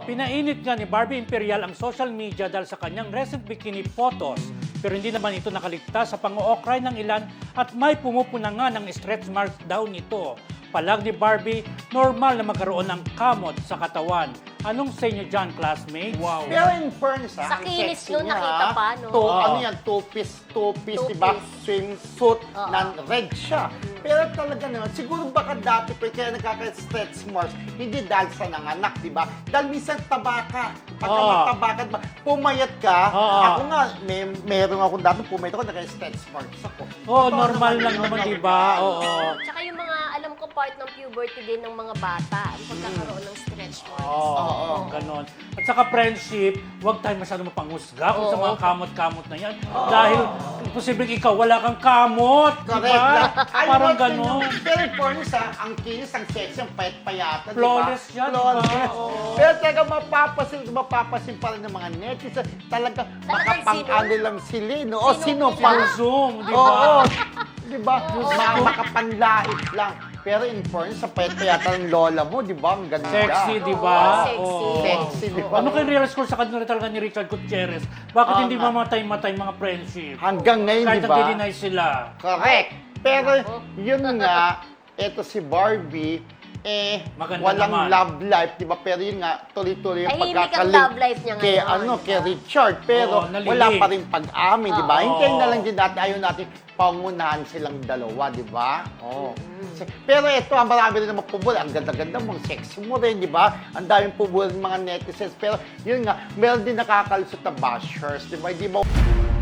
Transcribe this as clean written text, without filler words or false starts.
Pinainit nga ni Barbie Imperial ang social media dahil sa kanyang recent bikini photos. Pero hindi naman ito nakaligtas sa pang-ookray ng ilan at may pumupuna nga ng stretch marks daw nito. Palag ni Barbie, normal na magkaroon ng kamot sa katawan. Anong sa inyo dyan, classmates? Wow. Pero in fairness, Sa ang kinis sexy nun, niya, nakita pa, no? Ano yan, two-piece, diba? Swimsuit, na red siya. Pero talaga naman, siguro baka dati pa kaya nagkaka-stretch marks, hindi dahil sa nanganak, diba? Dahil minsan tabaka. Pagka matabakan, pumayat ka. Ako nga, meron ako dati, pumayat ako, naka-stretch marks ako. Normal lang naman, diba? Oo. Tsaka yung mga, alam ko, part ng puberty din ng mga bata, ang pagkakaroon ng stretch marks. Oo, ganon. At saka friendship, huwag tayo masyadong mapanghusga kung sa mga kamot-kamot na yan. Dahil posibleng ikaw wala kang kamot, Correct diba? lang. Ay, Parang wag ganon. yun. Pero in fairness, ang kinis, ang sexy, ang payat-payata, diba? Flawless yan, Flawless. diba? Oo. Pero talaga mapapasin pa rin ng mga netizen. Talaga, makapang-ano lang sila, no? O, sino Pang pa? Zoom, diba? Oo, diba? Makapanlait lang. Pero in fairness, sa payat-payata ng lola mo, diba? Ang ganda. Sexy, diba? sexy. Oo. Sexy, diba? Ano kayo realize ko sa kanila talaga ni Richard Gutierrez? Bakit hindi mamatay-matay mga friendship? Hanggang ngayon, Kahit diba? nag-deny sila. Correct. Pero yun nga, eto si Barbie, Maganda walang naman. love life, di ba? Pero yun nga, tuloy-tuloy yung Tahimik ang pagkakalig love life niya kay, ngayon. kay Richard. Pero Oo, nalilink. wala pa rin pag-amin, di ba? Oo. Hintayin na lang din natin, ayaw natin pangunahan silang dalawa, di ba? Oh. Pero ito, marami rin naman pubul. Ang ganda-ganda mo, ang sexy mo rin, di ba? Ang daming pubul ng mga netizens. Pero yun nga, meron din nakakalusot na bashers, di ba? Di ba?